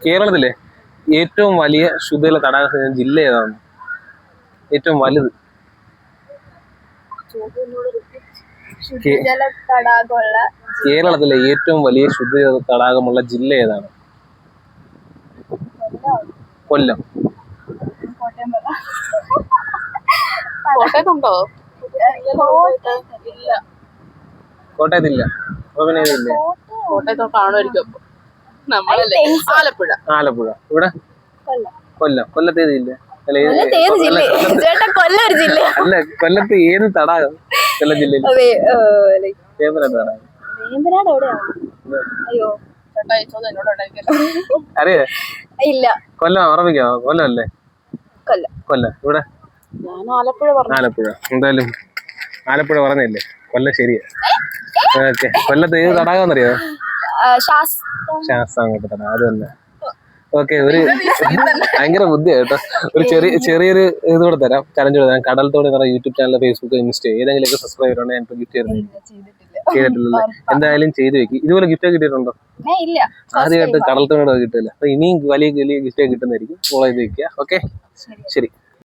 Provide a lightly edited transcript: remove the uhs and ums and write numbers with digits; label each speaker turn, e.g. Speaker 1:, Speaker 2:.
Speaker 1: കേരളത്തിലെ ഏറ്റവും വലിയ ശുദ്ധജല തടാക ജില്ല ഏതാണ്? ഏറ്റവും വലുത് കേരളത്തിലെ ഏറ്റവും വലിയ ശുദ്ധജല തടാകമുള്ള ജില്ല ഏതാണ്? കൊല്ലം.
Speaker 2: കോട്ടയത്തുണ്ടോ?
Speaker 1: കോട്ടയത്തില്ല.
Speaker 2: കോട്ടയത്തോ കാണുമായിരിക്കും. നമ്മളല്ലേ ആലപ്പുഴ.
Speaker 1: ആലപ്പുഴ. ഇവിടെ കൊല്ലം. കൊല്ലത്ത് ഏത് ജില്ല? അല്ല, കൊല്ലത്ത് ഏത് തടാകം? കൊല്ലം ജില്ലയിൽ വേമ്പനാട് തടാകം. അറിയേ?
Speaker 3: ഇല്ല.
Speaker 1: കൊല്ലം ഓർമ്മിക്കാമോ? കൊല്ലം അല്ലേ? കൊല്ലം. ഇവിടെ ആലപ്പുഴ. എന്തായാലും ആലപ്പുഴ പറഞ്ഞല്ലേ, കൊല്ലം ശരിയാ. ഓക്കെ. കൊല്ലത്ത് ഏത് തടാകം എന്നറിയോ? ശാസ്താംകോട്ട തടാകം. അത് തന്നെ. ഓക്കെ. ഒരു ഭയങ്കര ബുദ്ധിയാ കേട്ടോ. ഒരു ചെറിയൊരു ഇത് കൂടെ തരാം, ചലഞ്ച് കൂടെ തരാം. കടൽ തോണി എന്ന് യൂട്യൂബ് ചാനൽ, ഫേസ്ബുക്ക്, ഇൻസ്റ്റ ഏതെങ്കിലുമൊക്കെ സബ്സ്ക്രൈബ് ചെയ്യണം. ഞാൻ ഗിഫ്റ്റ് ചെയ്തിട്ടില്ലല്ലേ? എന്തായാലും ചെയ്തു വെക്കി. ഇതുപോലെ ഗിഫ്റ്റ് കിട്ടിയിട്ടുണ്ടോ? ആദ്യമായിട്ട് കടൽ തോണിയുടെ കിട്ടില്ല. അപ്പൊ ഇനിയും വലിയ ഗിഫ്റ്റ് കിട്ടുന്നതായിരിക്കും. ഫോളോ ചെയ്ത് വെക്കുക. ഓക്കെ, ശരി.